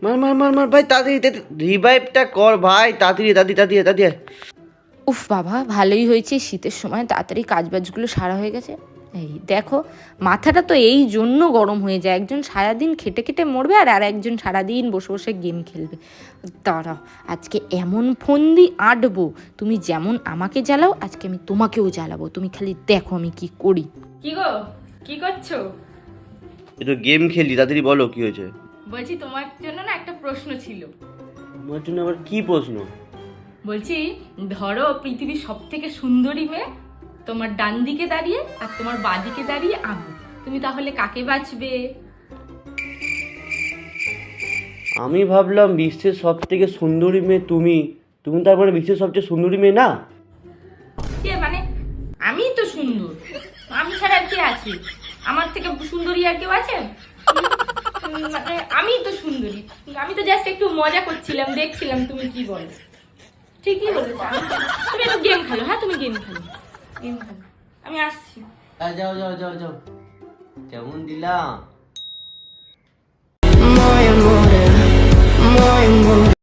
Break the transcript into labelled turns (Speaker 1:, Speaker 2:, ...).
Speaker 1: মার মার মার মার ভাই, তাড়াতাড়ি রিভাইভটা কর ভাই, তাড়াতাড়ি তাড়াতাড়ি তাড়াতাড়ি তাড়াতাড়ি।
Speaker 2: উফ বাবা, ভালোই হয়েছে শীতের সময় তাড়াতাড়ি কাজবাজগুলো সারা হয়ে গেছে। এই দেখো, মাথাটা তো এই জন্য গরম হয়ে যায়, একজন সারাদিন খেটে খেটে মরবে আর একজন সারাদিন বসে বসে গেম খেলবে। দাঁড়াও, আজকে এমন ফন্দি আঁটবো, তুমি যেমন আমাকে জ্বালাও আজকে আমি তোমাকেও জ্বালাবো, তুমি খালি দেখো আমি কি করি। কি গো, কি করছো?
Speaker 1: একটু গেম খেলি, তাড়াতাড়ি বলো কি হয়েছে।
Speaker 2: বলছি তোমার জন্য না একটা প্রশ্ন ছিল।
Speaker 1: আমার জন্য আবার কি প্রশ্ন?
Speaker 2: বলছি, ধরো পৃথিবীর সব থেকে সুন্দরী মেয়ে তোমার ডান দিকে দাঁড়িয়ে আর তোমার বাঁ দিকে দাঁড়িয়ে আমি, তুমি তাহলে কাকে বাঁচবে?
Speaker 1: আমি ভাবলাম বিশ্বের সব থেকে সুন্দরী মেয়ে তুমি, তুমি তারপরে বিশ্বের সবচেয়ে সুন্দরী মেয়ে না?
Speaker 2: মানে আমি তো সুন্দর, আমি ছাড়া আর কে আছে? আমার থেকে সুন্দরী আর কেউ আছে? মানে আমি তো সুন্দরী, আমি তো জাস্ট একটু মজা করছিলাম, দেখছিলাম তুমি কি বলো। ঠিকই বলেছো, তুমি একটু গেম খেলো। হ্যাঁ তুমি গেম খেলো, গেম খেলো, আমি আসছি।
Speaker 1: যাও যাও যাও যাও। কেমন দিলাম?